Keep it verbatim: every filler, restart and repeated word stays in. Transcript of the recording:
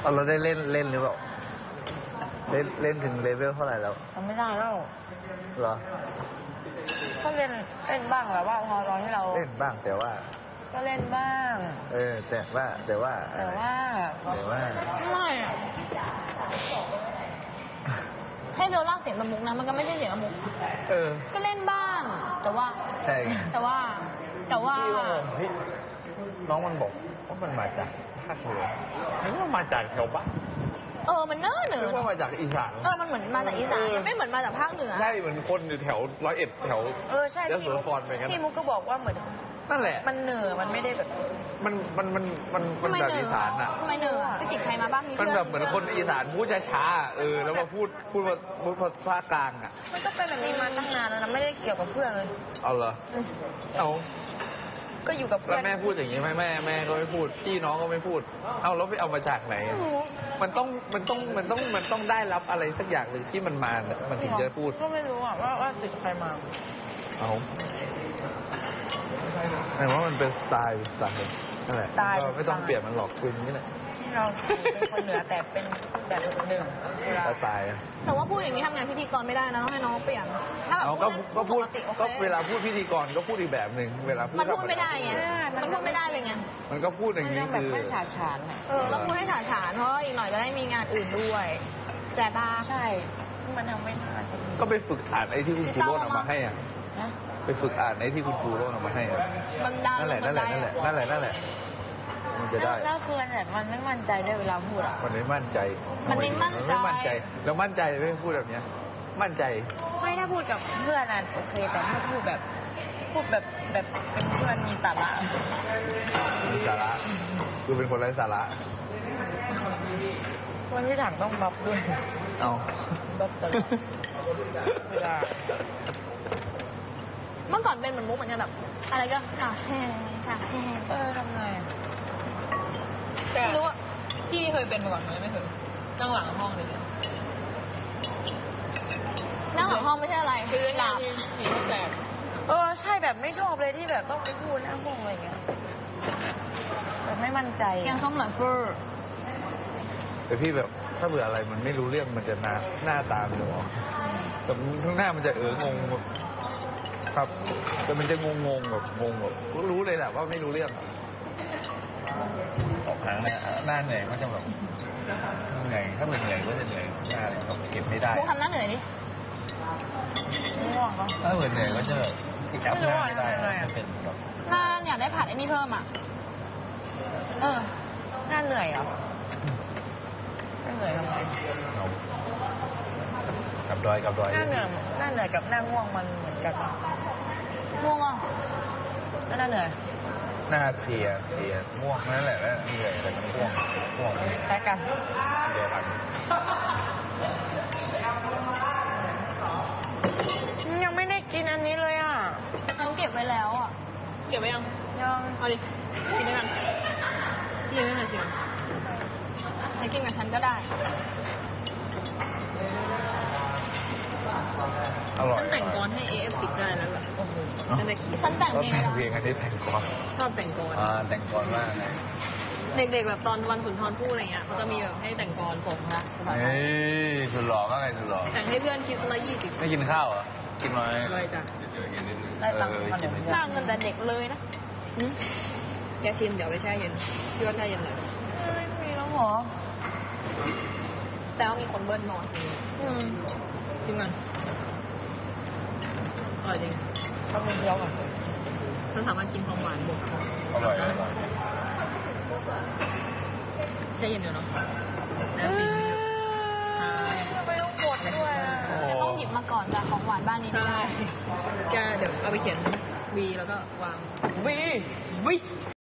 เอาเราได้เล่นเล่นหรือเปล่าเล่นเล่นถึงเลเวลเท่าไหร่แล้วทำไม่ได้แล้วเหรอก็เล่นเล่นบ้างแบบว่าพอตอนที่เราเล่นบ้างแต่ว่าก็เล่นบ้างเออแต่ว่าแต่ว่าแต่ว่าแต่ว่าไม่อะให้เบลล่าเสียงละมุกนะมันก็ไม่ใช่เสียงละมุกเออก็เล่นบ้างแต่ว่าใช่แต่ว่าแต่ว่าน้องมันบอกว่ามันมาจากภาคเหนือนึกว่ามาจากแถวบ้านเออมันเนิ่นเนอะนึกว่ามาจากอีสานเออมันเหมือนมาจากอีสานมันไม่เหมือนมาจากภาคเหนือใช่เหมือนคนอยู่แถวร้อยเอ็ดแถวเออใช่ยโสธรไปงั้นพี่มุกก็บอกว่าเหมือนนั่นแหละมันเหนือมันไม่ได้แบบมันมันมันมันมันแบบอีสานอ่ะทำไมเหนือไปติดใครมาบ้างมีมันแบบเหมือนคนอีสานพูดช้าๆเออแล้วมาพูดพูดพูดภาษากลางอ่ะมันก็เป็นแบบนี้มาตั้งนานแล้วนะไม่ได้เกี่ยวกับเพื่อนเลยเอาเหรอเอาก็อยู่กับเพื่อนแล้วแม่พูดอย่างนี้ไหมแม่แม่ก็ไม่พูดพี่น้องก็ไม่พูดเอาแล้วไปเอามาจากไหนมันต้องมันต้องมันต้องมันต้องได้รับอะไรสักอย่างหนึ่งที่มันมามันถึงจะพูดก็ไม่รู้อ่ะว่าว่าติดใครมาเอาแต่ว่ามันเป็นสไตล์สไตล์นั่นแหละก็ไม่ต้องเปลี่ยนมันหรอกคุยอย่างนี้แหละเราเป็นคนเหนือแต่เป็นแบบหนึ่งสไตล์แต่ว่าพูดอย่างนี้ทำงานพิธีกรไม่ได้นะต้องให้น้องเปลี่ยนถ้าแบบก็พูดก็เวลาพูดพิธีกรก็พูดอีกแบบหนึ่งเวลาพูดมันพูดไม่ได้ไงมันพูดไม่ได้เลยไงมันก็พูดอย่างนี้คือไม่ฉาฉานเออแล้วพูดให้ฉาฉานเพราะอีกหน่อยจะได้มีงานอื่นด้วยแต่ตาใช่มันทำไม่ได้ก็ไปฝึกอ่านไอ้ที่คุณครูโรจน์เอามาให้อ่ะไปฝึกอ่านไอ้ที่คุณครูโรจน์เอามาให้อ่ะนั่นแหละนั่นแหละนั่นแหละนั่นแหละนั่นแหละมันจะได้แล้วคือเนี่ยมันไม่มั่นใจด้วยเวลาพูดอ่ะมันไม่มั่นใจมันไม่มั่นใจไม่มั่นใจแล้วมั่นใจไม่พูดแบบเนี้ยมั่นใจไม่ถ้าพูดกับเพื่อนน่ะโอเคแต่ถ้าพูดแบบพูดแบบแบบเป็นเพื่อนมีสาระมีสาระคือเป็นคนไร้สาระวันที่ถังต้องบัฟด้วยเอาบัฟตลอดเวลาเมื่อก่อนเป็นเหมือนมุกเหมือนกันแบบอะไรก็ค่ะแห้งค่ะแห้งเออทำไงไม่รู้ว่าพี่เคยเป็นมาก่อนไหมไม่เคยนั่งหลังห้องเลยนั่งหลังห้องไม่ใช่อะไรคือหลับผีแตกเออใช่แบบไม่ชอบเลยที่แบบต้องไปพูดนั่งห้องอะไรเงี้ยแบบไม่มั่นใจยังส้มหน่อยเฟอร์แต่พี่แบบถ้าเบื่ออะไรมันไม่รู้เรื่องมันจะหน้าหน้าตามันจะออกแต่ข้างหน้ามันจะเอองงครับแต่มันจะงงงแบบงงแบบรู้เลยแหละว่าไม่รู้เรื่องออกหางเนี่ยหน้าเหนื่อยก็จะแบบเหนื่อยถ้าเป็นเหนื่อยก็จะเหนื่อยหน้าแบบเก็บไม่ได้พวกทำหน้าเหนื่อยดิง่วงปะถ้าเหนื่อยก็จะจับหน้าไม่ได้เป็นแบบหน้าอยากได้ผัดไอ้นี่เพิ่มอ่ะเออหน้าเหนื่อยเหรอหน้าเหนื่อยทำไมกับดอยกับดอยหน้าเหนื่อยหน้าเหนื่อยกับหน้าง่วงมันเหมือนกันง่วงอ่ะหน้าเหนื่อยหน้าเพลียเพลียง่วงนั่นแหละแล้วเหนื่อยแต่มันง่วงง่วงแค่กันเดียวกันยังไม่ได้กินอันนี้เลยอ่ะฉันเก็บไว้แล้วอ่ะเก็บไว้ยังยังเอาดิกินด้วยกันกินด้วยกันสิจะกินกับฉันก็ได้อร่อยฉันแต่งกรให้เอฟติดได้แล้วล่ะโอ้โหฉันแต่งเพลงเพลงอันนี้แต่งกรชอบแต่งกรอ่าแต่งกรมากเลยเด็กๆแบบตอนวันสุนทรภู่อะไรเงี้ยเขาจะมีแบบให้แต่งกรผมนะเฮ้ยสุดหล่อมากเลยสุดหล่อแต่งให้เพื่อนคิดละยี่สิบไม่กินข้าวเหรอกินน้อยเลยจ้ะได้ตังค์มาสร้างเงินแต่เด็กเลยนะแกชิมเดี๋ยวไปแช่เย็นพี่ว่าแช่เย็นเลยไม่มีแล้วหรอแต่ว่ามีคนเบิ้ลนอนอืมชิมกันอร่อยจริงทำเป็นเดียวอ่ะฉันสามารถกินของหวานบวกอร่อยอร่อยแช่เย็นเดี๋ยวเนาะแล้วปีนี้ไม่ต้องหมดด้วยต้องหยิบมาก่อนจากของหวานบ้านนี้ได้จะเดี๋ยวเอาไปเขียนวีแล้วก็วางวีวี